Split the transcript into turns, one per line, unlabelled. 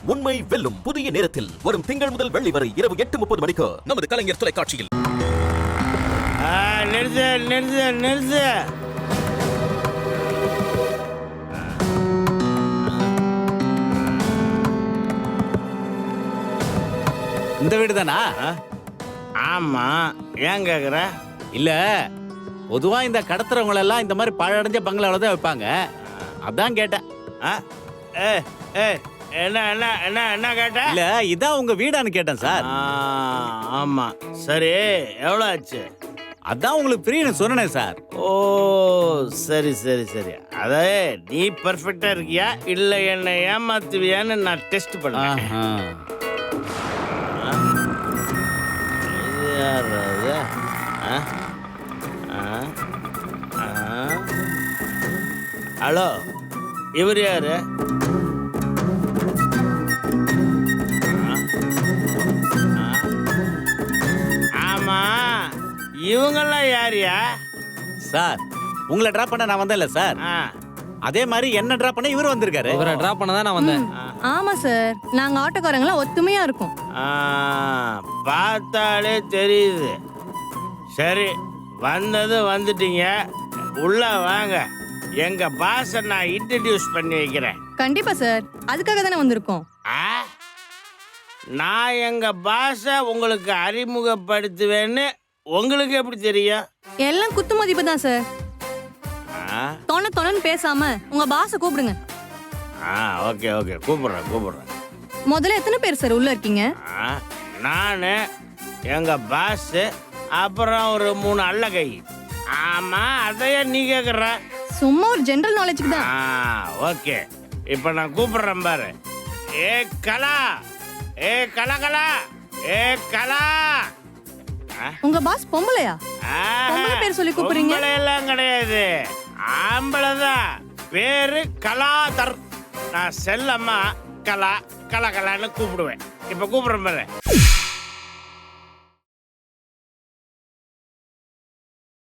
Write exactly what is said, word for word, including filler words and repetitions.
உண்மை வெல்லும் புதிய நேரத்தில் வரும் திங்கள் முதல் வெள்ளி வரை இரவு எட்டு முப்பது மணிக்கு நமது கலைஞர் தொலைக்காட்சியில்.
நிறுத்து நிறுத்து நிறுத்து.
இந்த வீடு தானா?
ஆமா, ஏன் கேக்குற?
இல்ல, பொதுவா இந்த கடத்துறவங்க எல்லாம் இந்த மாதிரி பழடைஞ்ச பங்களாவில தான் வைப்பாங்க, அதான் கேட்டேன்.
ஏ ஏ என்ன என்ன என்ன என்ன கேட்ட?
இல்ல, இதான் உங்க வீடான்னு கேட்டேன் சார்.
ஆமா, சரி, எவ்வளோ ஆச்சு?
அதான் உங்களுக்கு ஃப்ரீன்னு சொன்னேன் சார்.
ஓ, சரி சரி சரி. அதே நீ பர்ஃபெக்டா இருக்கியா இல்ல என்ன ஏமாத்துவியான்னு நான் டெஸ்ட் பண்ணேன். ஹலோ, இவர் யாரு? ஆமா, இவங்கெல்லாம் யாரியா?
சார், உங்களை டிராப் பண்ண நான் வந்தேன்ல சார், அதே மாதிரி என்ன டிராப் பண்ண இவர் வந்திருக்காரு.
இவரை டிராப் பண்ண தான் நான் வந்தேன்.
ஆமா சார், நாங்க ஆட்டோக்காரங்களாம் ஒத்துமையா இருக்கோம்.
பார்த்தாலே தெரியுது. சரி, வந்தது வந்துட்டீங்க, உள்ள வாங்க. எங்க பாஸை நான் இன்ட்ரடியூஸ் பண்ணி வைக்கிறேன்.
கண்டிப்பா சார், அதுக்காக தானே வந்திருக்கோம்.
நான் எங்க பாஸை உங்களுக்கு அறிமுகப்படுத்துவேன்னு உங்களுக்கு எப்படி தெரியும்?
எல்லாம் குத்து மதிப்பு தான் சார். தொண தொணன்னு பேசாம உங்க பாஸை கூப்பிடுங்க.
ஆ, ஓகே ஓகே, கூப்பிடுறேன் கூப்பிடுறேன்.
முதல்ல எத்தனை பேர் சார் உள்ள இருக்கீங்க?
நான், எங்க பாஸ், அப்புறம் ஒரு மூணு அல்ல கை. ஆமா, அதையே நீ கேக்குற?
சும்மா ஒரு ஜெனரல் நாலேஜுக்கு தான்.
ஓகே, இப்போ நான் கூப்பிடுறேன் பாரு. ஏ கலா, ஏ கலா கலா, ஏ கலா.
உங்க பாஸ் பொம்பளையா? பொம்பளை பேர் சொல்லி கூப்பிடுறீங்க?
பொம்பளை எல்லாம் கிடையாது, ஆம்பளை தான். பேரு கலாதர். நான் செல்லம்மா கலா கலா கலான்னு கூப்பிடுவேன். இப்போ கூப்பிடுறேன் பாரு.